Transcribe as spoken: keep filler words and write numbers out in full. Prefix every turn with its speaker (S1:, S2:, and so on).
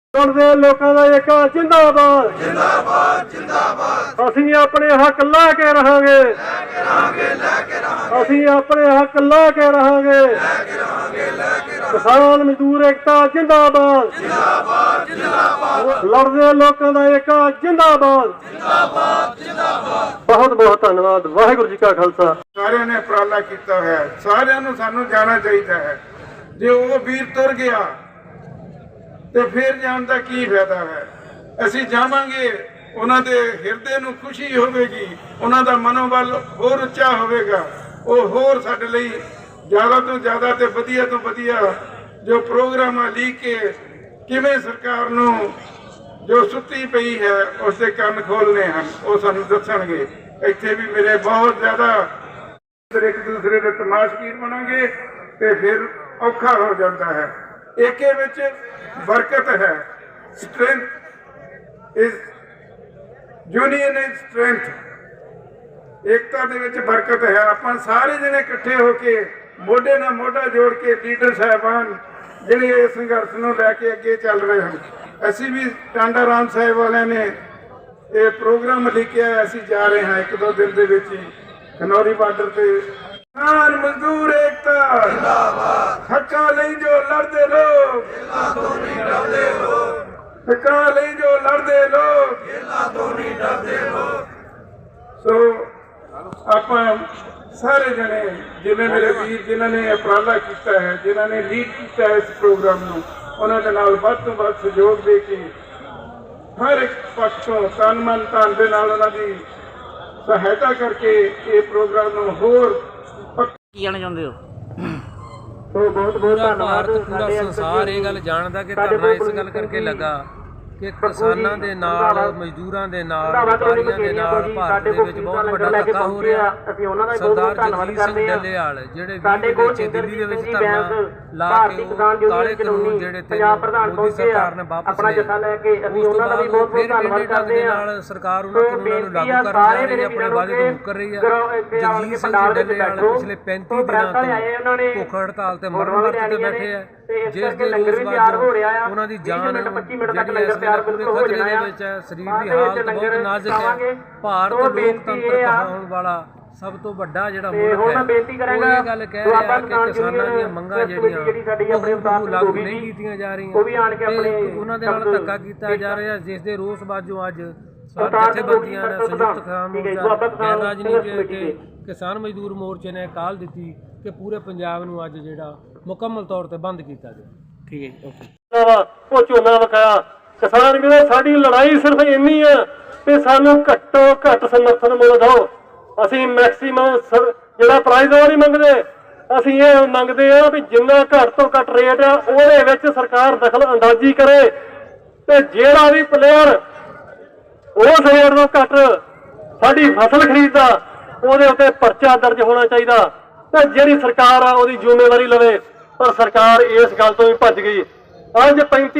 S1: ਦੇ ਲੋਕਾਂ ਦਾ ਇੱਕ ਜਿੰਦਾਬਾਦ
S2: जिंदाबाद जिंदाबाद
S1: ਅਸੀਂ ਆਪਣੇ ਹੱਕ ਲਾ ਕੇ ਰਹਾਂਗੇ
S2: लेके रहांगे लेके रहांगे
S1: ਅਸੀਂ ਆਪਣੇ ਹੱਕ ਲਾ ਕੇ ਰਹਾਂਗੇ
S2: लेके रहांगे लेके रहांगे
S1: ਕਿਸਾਨ ਮਜ਼ਦੂਰ ਏਕਤਾ ਜਿੰਦਾਬਾਦ
S2: जिंदाबाद जिंदाबाद
S1: ਲੜਦੇ ਲੋਕਾਂ ਦਾ ਇੱਕ ਜਿੰਦਾਬਾਦ
S2: जिंदाबाद जिंदाबाद
S1: ਬਹੁਤ ਬਹੁਤ ਧੰਨਵਾਦ। ਵਾਹਿਗੁਰੂ ਜੀ ਕਾ ਖਾਲਸਾ।
S3: ਸਾਰਿਆਂ ਨੇ ਉਪਰਾਲਾ ਕੀਤਾ ਹੈ, ਸਾਰਿਆਂ ਨੂੰ ਸਾਨੂੰ ਜਾਣਾ ਚਾਹੀਦਾ ਹੈ। ਜੇ ਉਹ ਵੀਰ ਤੁਰ ਗਿਆ ਤੇ ਫਿਰ ਜਾਣ ਦਾ ਕੀ ਫਾਇਦਾ ਹੈ। ਅਸੀਂ ਜਾਵਾਂਗੇ, ਉਹਨਾਂ ਦੇ ਹਿਰਦੇ ਨੂੰ ਖੁਸ਼ੀ ਹੋਵੇਗੀ, ਉਹਨਾਂ ਦਾ ਮਨੋਬਲ ਹੋਰ ਉੱਚਾ ਹੋਵੇਗਾ। ਉਹ ਹੋਰ ਸਾਡੇ ਲਈ ਜ਼ਿਆਦਾ ਤੋਂ ਜ਼ਿਆਦਾ ਤੇ ਵਧੀਆ ਤੋਂ ਵਧੀਆ ਜੋ ਪ੍ਰੋਗਰਾਮਾਂ ਲਿਖ ਕੇ ਕਿਵੇਂ ਸਰਕਾਰ ਨੂੰ ਜੋ ਸੁੱਤੀ ਪਈ ਹੈ ਉਸ ਦੇ ਕੰਨ ਖੋਲ੍ਹਣੇ ਹਨ, ਉਹ ਸਾਨੂੰ ਦੱਸਣਗੇ। ਇੱਥੇ ਵੀ ਮੇਰੇ ਬਹੁਤ ਜ਼ਿਆਦਾ ਇੱਕ ਦੂਸਰੇ ਦੇ ਤਮਾਸ਼ਗੀਰ ਬਣਾਂਗੇ ਤੇ ਫਿਰ ਔਖਾ ਹੋ ਜਾਂਦਾ ਹੈ। ਏਕੇ ਵਿੱਚ ਬਰਕਤ ਹੈ। Strength is union is strength. ਏਕਤਾ ਦੇ ਵਿੱਚ ਬਰਕਤ ਹੈ। ਆਪਾਂ ਸਾਰੇ ਜਣੇ ਇਕੱਠੇ ਹੋ ਕੇ ਮੋਢੇ ਨਾਲ ਮੋਢਾ ਜੋੜ ਕੇ ਲੀਡਰ ਸਾਹਿਬਾਨ ਜਿਹੜੇ ਇਸ ਸੰਘਰਸ਼ ਨੂੰ ਲੈ ਕੇ ਅੱਗੇ ਚੱਲ ਰਹੇ ਹਨ। ਅਸੀਂ ਵੀ ਟਾਂਡਾ ਰਾਮ ਸਾਹਿਬ ਵਾਲਿਆਂ ਨੇ ਇਹ ਪ੍ਰੋਗਰਾਮ ਲਿਖਿਆ, ਅਸੀਂ ਜਾ ਰਹੇ ਹਾਂ ਇੱਕ ਦੋ ਦਿਨ ਦੇ ਵਿੱਚ ਹੀ ਖਨੌਰੀ ਬਾਰਡਰ ਤੇ। ਕਿਸਾਨ ਮਜ਼ਦੂਰ ਏਕਤਾ ਜਿੰਦਾਬਾਦ। ਹੱਕਾਂ ਲਈ ਜੋ ਲੜਦੇ ਲੋਕ
S2: जिला तो नहीं डरते लोग,
S3: ਹੱਕਾਂ ਲਈ ਜੋ ਲੜਦੇ ਲੋਕ।
S2: जिला तो नहीं डरते लोग।
S3: ਸੋ ਆਪਾਂ ਸਾਰੇ ਜਣੇ ਜਿਵੇਂ ਮੇਰੇ ਵੀਰ ਜਿਨ੍ਹਾਂ ਨੇ ਉਪਰਾਲਾ ਕੀਤਾ ਹੈ, ਜਿਨ੍ਹਾਂ ਨੇ ਲੀਡ ਕੀਤਾ ਹੈ ਇਸ ਪ੍ਰੋਗਰਾਮ ਨੂੰ, ਉਹਨਾਂ ਦੇ ਨਾਲ ਵੱਧ ਤੋਂ ਵੱਧ ਸਹਿਯੋਗ ਦੇ ਕੇ ਹਰ ਇੱਕ ਪੱਖ ਤੋਂ ਤਨ ਮਨ ਧਨ ਦੇ ਨਾਲ ਉਹਨਾਂ ਦੀ ਸਹਾਇਤਾ ਕਰਕੇ ਇਹ ਪ੍ਰੋਗਰਾਮ ਨੂੰ ਹੋਰ
S4: ਕੀ ਜਾਣਾ ਚਾਹੁੰਦੇ ਹੋ?
S1: ਸੋ ਬਹੁਤ ਬਹੁਤ
S5: ਪੂਰਾ
S1: ਧੰਨਵਾਦ।
S5: ਭਾਰਤ ਪੂਰਾ ਸੰਸਾਰ ਇਹ ਗੱਲ ਜਾਣਦਾ ਕਿ ਧਰਨਾ ਇਸ ਗੱਲ ਕਰਕੇ ਲੱਗਾ ਕਿ ਕਿਸਾਨਾਂ ਦੇ ਨਾਲ, ਮਜ਼ਦੂਰਾਂ ਦੇ ਨਾਲ, ਵਪਾਰੀਆਂ ਦੇ ਨਾਲ ਭਾਰਤ ਦੇ ਵਿੱਚ ਬਹੁਤ ਵੱਡਾ ਧੱਕਾ ਹੋ ਰਿਹਾ। ਸਰਦਾਰ ਜਗਜੀਤ ਸਿੰਘ ਡੱਲੇਵਾਲ ਜਿਹੜੇ ਵੀਹ ਵਿੱਚ ਦਿੱਲੀ ਦੇ ਵਿੱਚ ਧਰਨਾ ਲਾ ਕੇ ਉਹ ਕਾਲੇ ਕਾਨੂੰਨ ਜਿਹੜੇ ਤੇ ਮੋਦੀ ਸਰਕਾਰ ਨੇ ਵਾਪਸ ਲਏ, ਉਸ ਤੋਂ ਬਾਅਦ ਉਹ ਫਿਰ ਟੇਢੇ ਢੰਗ ਦੇ ਨਾਲ ਸਰਕਾਰ ਉਹਨਾਂ ਕਾਨੂੰਨਾਂ ਨੂੰ ਲਾਗੂ ਕਰਨ ਜਾ ਰਹੀ ਹੈ, ਆਪਣੇ ਵਾਅਦੇ ਤੋਂ ਮੁੱਕਰ ਰਹੀ ਹੈ। ਜਗਜੀਤ ਸਿੰਘ ਡੱਲੇਵਾਲ ਪਿਛਲੇ ਪੈਂਤੀ ਦਿਨਾਂ ਤੋਂ ਭੁੱਖ ਹੜਤਾਲ ਤੇ ਮਰਨ ਵਰਤ ਤੇ ਬੈਠੇ ਆ, ਜਿਸ ਦੇ ਰੋਸ ਵਜੋਂ ਉਹਨਾਂ ਦੀ ਜਾਨ ਜਿਹੜੀ ਇਸ ਵੇਲੇ ਪੂਰੇ ਖਤਰੇ ਦੇ ਵਿੱਚ ਹੈ। ਸਰੀਰ ਦੀ ਹਾਲਤ ਬਹੁਤ ਨਾਜ਼ੁਕ ਹੈ। ਭਾਰਤ ਲੋਕਤੰਤਰ ਕਹਾਉਣ ਵਾਲਾ ਸਭ ਤੋਂ ਵੱਡਾ ਜਿਹੜਾ ਮੁਲਕ ਹੈ, ਉਹ ਇਹ ਗੱਲ ਕਹਿ ਰਿਹਾ ਕਿ ਕਿਸਾਨਾਂ ਦੀਆਂ ਮੰਗਾਂ ਜਿਹੜੀਆਂ ਉਹ ਲਾਗੂ ਨਹੀਂ ਕੀਤੀਆਂ ਜਾ ਰਹੀਆਂ ਤੇ ਉਹਨਾਂ ਦੇ ਨਾਲ ਧੱਕਾ ਕੀਤਾ ਜਾ ਰਿਹਾ, ਜਿਸ ਦੇ ਰੋਸ ਵਜੋਂ ਅੱਜ ਜਥੇਬੰਦੀਆਂ ਨੇ ਸੰਯੁਕਤ ਕਿਸਾਨ ਮੋਰਚਾ, ਗੈਰ ਰਾਜਨੀਤਿਕ ਕਿਸਾਨ ਮਜ਼ਦੂਰ ਮੋਰਚੇ ਨੇ ਕਾਲ ਦਿੱਤੀ ਕਿ ਪੂਰੇ ਪੰਜਾਬ ਨੂੰ ਅੱਜ ਜਿਹੜਾ ਮੁਕੰਮਲ ਤੌਰ ਤੇ ਬੰਦ ਕੀਤਾ ਜਾਵੇ।
S4: ਠੀਕ ਹੈ ਜੀ, ਓਕੇ।
S1: ਉਹ ਝੋਨਾ ਵਿਕਾਇਆ। ਕਿਸਾਨ ਕਹਿੰਦੇ ਸਾਡੀ ਲੜਾਈ ਸਿਰਫ ਇੰਨੀ ਆ ਕਿ ਸਾਨੂੰ ਘੱਟੋ ਘੱਟ ਸਮਰਥਨ ਮੁੱਲ ਦਿਓ। ਅਸੀਂ ਮੈਕਸੀਮਮ ਜਿਹੜਾ ਪ੍ਰਾਈਜ਼ ਉਹ ਨਹੀਂ ਮੰਗਦੇ, ਅਸੀਂ ਇਹ ਮੰਗਦੇ ਆ ਵੀ ਜਿੰਨਾ ਘੱਟ ਤੋਂ ਘੱਟ ਰੇਟ ਆ ਉਹਦੇ ਵਿੱਚ ਸਰਕਾਰ ਦਖਲ ਅੰਦਾਜ਼ੀ ਕਰੇ ਤੇ ਜਿਹੜਾ ਵੀ ਪਲੇਅਰ ਉਸ ਰੇਟ ਤੋਂ ਘੱਟ ਸਾਡੀ ਫਸਲ ਖਰੀਦਦਾ ਉਹਦੇ ਉੱਤੇ ਪਰਚਾ ਦਰਜ ਹੋਣਾ ਚਾਹੀਦਾ ਤੇ ਜਿਹੜੀ ਸਰਕਾਰ ਆ ਉਹਦੀ ਜ਼ਿੰਮੇਵਾਰੀ ਲਵੇ। ਪਰ ਸਰਕਾਰ ਇਸ ਗੱਲ ਤੋਂ ਵੀ ਭੱਜ ਗਈ। ਅੱਜ ਪੈਂਤੀ